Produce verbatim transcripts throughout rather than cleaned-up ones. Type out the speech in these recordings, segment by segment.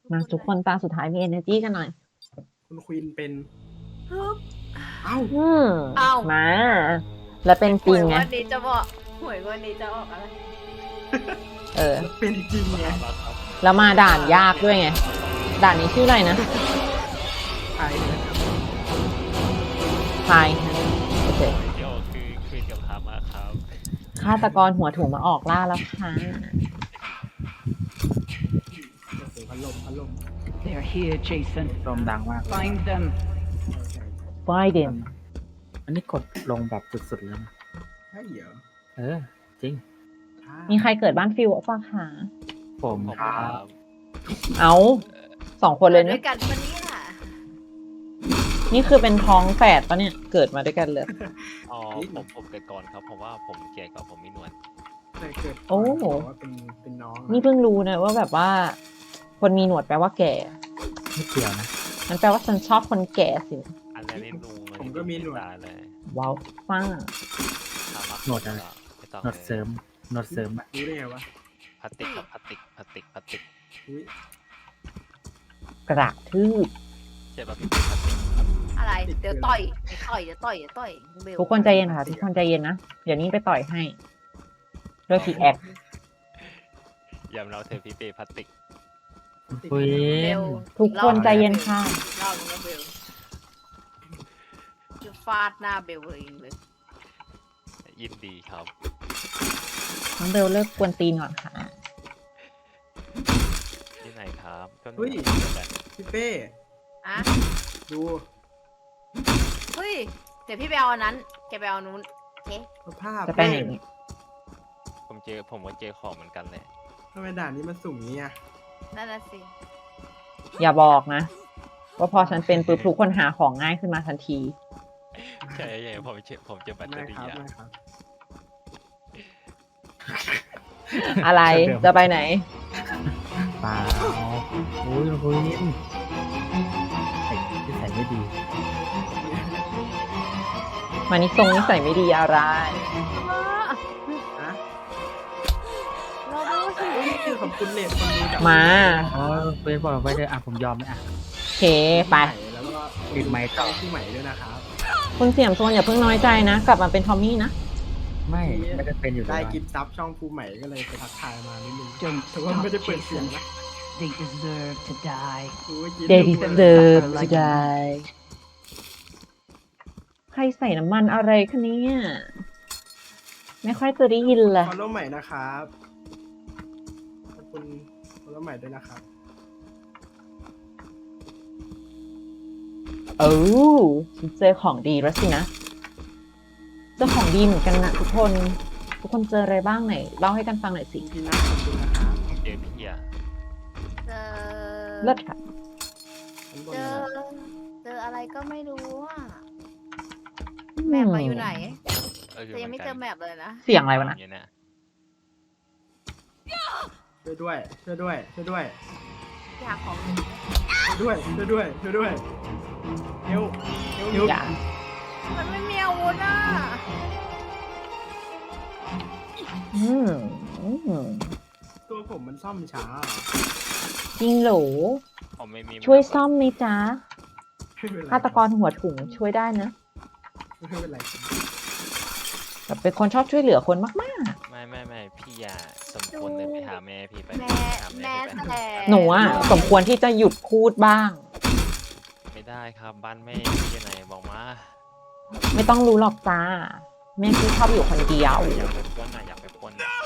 มาทุกคนตาสุดท้ายมี energy กันหน่อยคุณควีนเป็นฮึบเอ้าอืมเอ้ามา แล้วเป็นจริงไงหวยวันนี้จะบอกหวยวันนี้จะออกอะไรเออเป็นจริงไงแล้วมาด่านยากด้วยไง ด่านนี้ชื่ออะไรนะใครนะครับพายโอเคเดี๋ยวคือคุยกับพามาครับฆาตกรหัวถุงมาออกล่าแล้วค่ะโอ้โหพัดลมพัดลม They're here, Jason. ลมดังมาก Find them. ไฟเดนอันนี้กดลงแบบสุดๆแล้วนะใช่เหรอเออ จริงมีใครเกิดบ้านฟิวป่ะคะผมผมคครัรับบเอาสองคนเลยด้นะวยกันปะเนี่ยนี่คือเป็นท้องแฝดปะเนี่ย เกิดมาด้วยกันเลยอ๋อผมผมเกิดก่อนครับเพราะว่าผมแก่กว่าผมมีหนวดเคยเกิดโอ้บอกว่าเป็นเป็นน้องอะนี่เพิ่งรู้นะว่าแบบว่า คนมีหนวดแปลว่าแก่ไม่เกี่ยวนะมันแปลว่าฉันชอบคนแก่สิอันนั้นนี่ลุงผมก็มีหนวดตาเลยว้าวฟ้าพามาหนวดอะไรไม่ต้องหนวดเสริมหนวดเสริมอะรู้ได้ไงวะพลาสติกครับพลาสติกพลาสติกพลาสติกอุ้ยกระทืบใช่ป่ะพี่พลาสติกครับอะไรเดี๋ยวต่อยเดี๋ยวต่อยเดี๋ยวต่อยเดี๋ยวต่อยเบลทุกคนใจเย็นค่ะ ทุกคนใจเย็นนะ เดี๋ยวนี้ไปต่อยให้ด้วยพีแอคยำเราเธอพี่เปพลาสติกคุยเบลทุกคนใจเย็นค่ะรอบนึงนะเบลจะฟาดหน้าเบลเองเลยยินดีครับน้องเบลเลิกกวนตีนก่อนค่ะที่ไหนครับก็เฮ้ยเดียวกันพี่เป้อะดูเฮ้ยเดี๋ยวพี่ไปเอาอันนั้นแกไปเอาอันนู้นโอเคสภาพจะไปไหนผมเจอผมก็เจอของเหมือนกันเลยทำไมด่านนี้มันสุ่มเงี้ยนั่นน่ะสิอย่าบอกนะ ว่าพอฉันเป็นปุ๊บทุกคนหาของง่ายขึ้นมาทันทีใช่ใช่ผมเจอผมเจอแบตเตอไม่รี่ครับอะไม่ครับอะไรจะไปไหนเปล่าโอ้ยคุยใส่ที่ใส่ไม่ดีมานิทรงนิสัยไม่ดีอะไรฮะเราดูสินี่คือขอบคุณเน็ตคนดูจากมาอ๋อคุยบอกไว้เลยอ่ะผมยอมไหมอ่ะโอเคไปแล้วก็ปิดไมค์ต่อที่ใหม่ด้วยนะครับคุณเสี่ยมโซนอย่าเพิ่งน้อยใจนะ กลับมาเป็นทอมมี่นะไม่ไม่ได้เป็นอยู่ได้แล้วกิฟต์ซับช่องภูใหม่ก็เลยไปทักทายมานิดนึง Don't แต่ว่าไม่ได้ stop, เปิดเสียง Jason. นะ They deserve to die. ดูว่ากิน They ดูว่า deserve to die ใครใส่น้ำมันอะไรคะเนี่ยไม่ค่อยจะได้ยินเลยฟอลโล่ใหม่นะครับขอบคุณฟอลโล่ใหม่ด้วยนะครับโอ้ฉันเจอของดีแล้วสินะเจอของดีเหมือนกันนะทุกคน ทุกคนเจออะไรบ้างไหนเล่าให้กันฟังหน่อยสิพี่นัทขอบคุณนะครับเจอพี่อะเจอเลิศค่ะชั้นบนเจนะอครับเจออะไรก็ไม่รู้อ่ะแมปมาอยู่ไหนเออแต่ยังไม่เจอแมปเลยนะเสียงอะไรวะนะอยู่เนี่ยช่วยด้วยช่วยด้วยช่วยด้วยอยากของช่วยด้วยช่วยด้วยช่วยด้วยเฮลเฮลเฮลอย่ามันไม่มีอาวุธอ่ะอืมอืมตัวผมมันซ่อมช้าจริงเหรอผมไม่มีช่วยซ่อมไหมจ๊ะไม่เป็นไรฆาตกรหัวถุงช่วยได้นะไม่เป็นไรครับแบบเป็นคนชอบช่วยเหลือคนมากไม่ไม่ไม่พี่อย่าสมควรเดินไปหาแม่พี่ไปแม่หาแม่พี่ไปแต่ๆ หนูอ่ะสมควรที่จะหยุดพูดบ้างไม่ได้ครับบ้านแม่พี่อยู่ไหนบอกมาไม่ต้องรู้หรอกจ้า แม่พี่ชอบอยู่คนเดียวอยากไปปล้นน่ะอยากไปปล้นน่ะ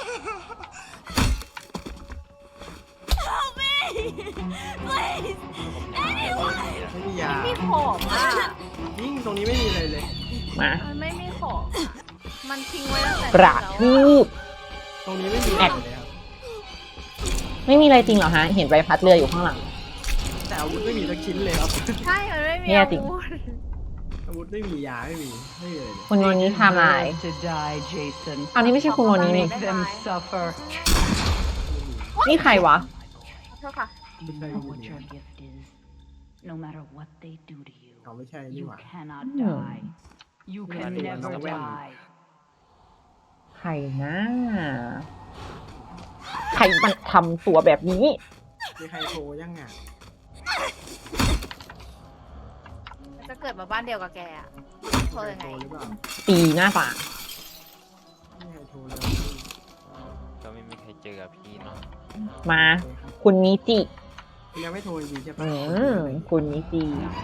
ไม่มียาไม่มีของอ่ะยิ่งตรงนี้ไม่มีอะไรเลยมามันไม่มีของอะมันทิ้งไว้ตั้งแต่กระแล้วทืบตรงนี้ไม่มีอะไรเลยครับไม่มีอะไรจริงเหรอฮะ เห็นใบพัดเรืออยู่ข้างหลังแต่อาวุธไม่มีสักชิ้นเลยครับใช่ มันไม่มีเนี่ยอาจริงวุธอาวุธไม่มียาไม่มีไม่มีอะไรเลยคุณโนนี้ไทำลาย Deserve to die, Jason. อันนี้ไม่ใช่คุณโนนี้นี่ Make them suffer. นี่ใครวะโทษค่ะ You know what your gift is. No matter what they do to you, เขาไม่ใช่นี่ you หว่า cannot Hmm. die. You can Everyone never knows that. die. ใครนะ ใครมันทำตัวแบบนี้มีใครโทรยังอ่ะจะเกิดมาบ้านเดียวกับแกอะโทรมียังใครไงโทรหรือเปล่าตีหน้าต่างไม่มีใครโทรเลยก็ไม่มีใครเจอกับพี่เนาะมาโอเคครับคุณมิจิคุณยังไม่โทรจริงๆใช่ปะอืมคุณมิจิ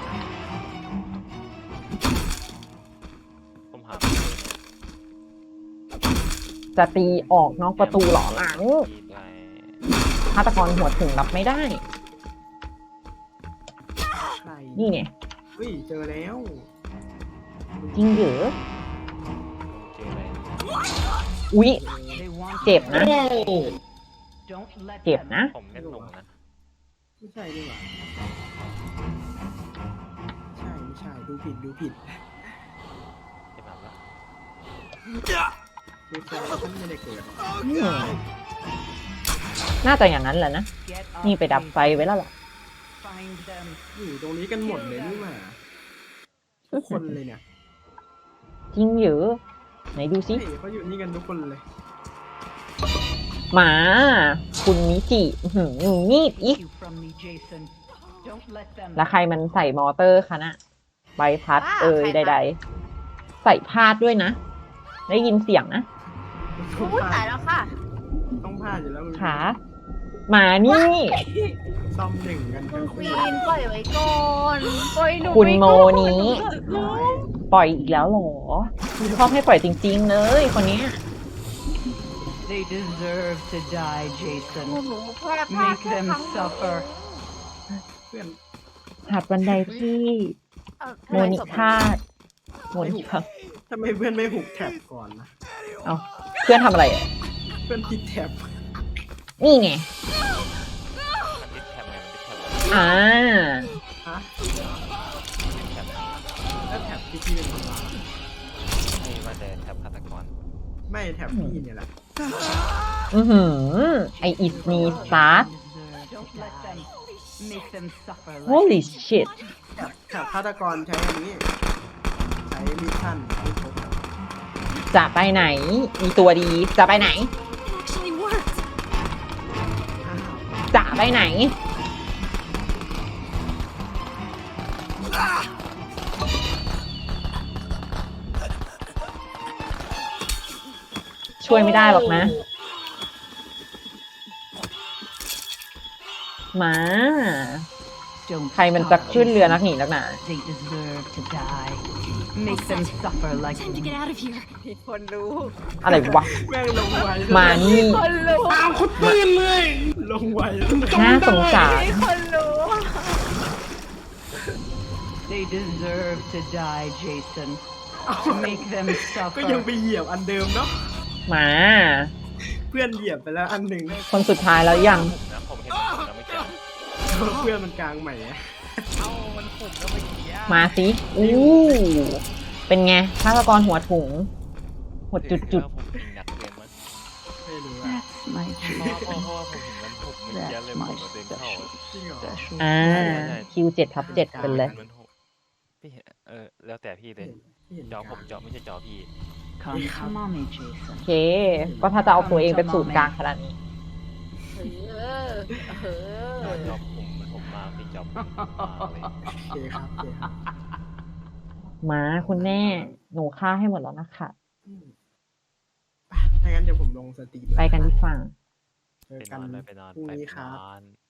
ผมหาไม่เจอเนี่ยจะตีออกนอกประตูเหรอหลังพี่ได้ฆาตกรหัวถึงรับไม่ได้ใครนี่ไงเฮ้ยเจอแล้วจริงเหรอเจออะไรอุ๊ย They want เจ็บนะ Don't let เจ็บ them. นะผมเล่นลงนะไม่ใช่นี่หว่าใช่ไม่ใช่ดูผิดดูผิดใช่แบบว่าดูแสดงว่าฉันไม่ได้เกิดอืมน่าจะอย่างนั้นแหละนะ Get up, นี่ไปดับไฟ Jason. ไว้แล้วล่ะ Find them. อยู่ตรงนี้กันหมดเลยนี่หว่าทุกคนเลยเนี่ยจริงเหรอไหนดูสิเฮ้ยเขาอยู่นี่กันทุกคนเลยหมา คุณมิจิอื้อหืองีบอีก You from me, Jason. Don't let them. แล้วใครมันใส่มอเตอร์คะน่ะใบพัดว้าเอ่ยใครใดคะๆ ใส่พาดด้วยนะ ได้ยินเสียงนะต้องพูดพตาลาย ดแล้วค่ะต้องพลาดอยู่แล้วมึงขาหมานี่ซ่อมหนึ่งกันคุทั้ณงคคู่วีนปล่อยไว้ก่อนปล่อยหนูคุณไว้โมก่อนนี้ร้อยปล่อยอีกแล้วเหรอชอบให้ปล่อยจริงๆเลยคนเนี้ย They deserve to die, หนู Jason. หนูพลาดพลาด Make แค่ them ครั้งเดียว suffer. เพื่อนหาดบันไดที่เอ่อโมนิพาดโมนิพาดทำไมเพื่อนไม่หุบแท็บก่อนนะเอาเพื่อนทำอะไรอ่ะเพื่อนติดแท็บนี่ไงมันติดแท็บไงมันติดแท็บอ่าฮะแท็บแล้วแท็บที่พี่เป็นคนวางไม่ว่าแต่แท็บฆาตกรไม่แท็บพี่เนี่ยแหละอือหือไออิสมีสตาร์ท Don't let them. Make them suffer. Like holy shit แท็บแท็บฆาตกรใช้อันนี้ ใช้มิชชั่นไม่ครบจะไปไหน มีตัวดี จะไปไหนอ้าวจะไปไหน ช่วยไม่ได้หรอกนะ มา Don't ใครมันจะ stop, ขึ้นเรือ Jason. นักหนีนักหนา They deserve to die. Make them suffer like Time to get out of here. มีคนรู้อะไรวะแม่งลงไวมานี่คนรู้อ้าวคุณปืนเลย ลงไวน่าสงสารมีคนรู้ They deserve to die, Jason. Make them ก็ยัง suffer. ไปเหยียบอันเดิมเนาะมาเพื่อนเหยียบไปแล้วอันหนึ่งคนสุดท้ายแล้วยังผมนะผมเห็นผมนะไม่เจอเพื่อนมันกลางใหม่อะเอ้ามันผมก็ไม่เกี่ยวมาสิ อู้ เป็นไงฆาตกรหัวถุง หัวจุดจุดผมเห็นหนักเกินมั้งไม่รู้อะ That's my เพราะ Jason. เพราะว่าผมเห็นมันผมไม่เกี่ยวเลย That's ผม my ก็เดินเข้า special, จริงเหรอ special. อ่า คิวเจ็ดทับเจ็ดเป็นเลยมันหกพี่เห็นเออแล้วแต่พี่เลยไม่เห็นจอผมกจอไม่ใช่จอพี่ Come to mommy, โอ Jason. เค ก็ถ้าจะเอาตัวเองเป็นศูนย์กลางขนาดนี้เออเออจอผมมันผมมากพี่จอผมมากเลยโอเคครับโอเคครับมาคุณแม่ หนูฆ่าให้หมดแล้วนะคะอืมไปถ้างั้นเดี๋ยวผมลงสตรีมไปกันดีกว่าเจอไปนกันอนเลยไปนอนพรุ่งไปนี้ครับนอน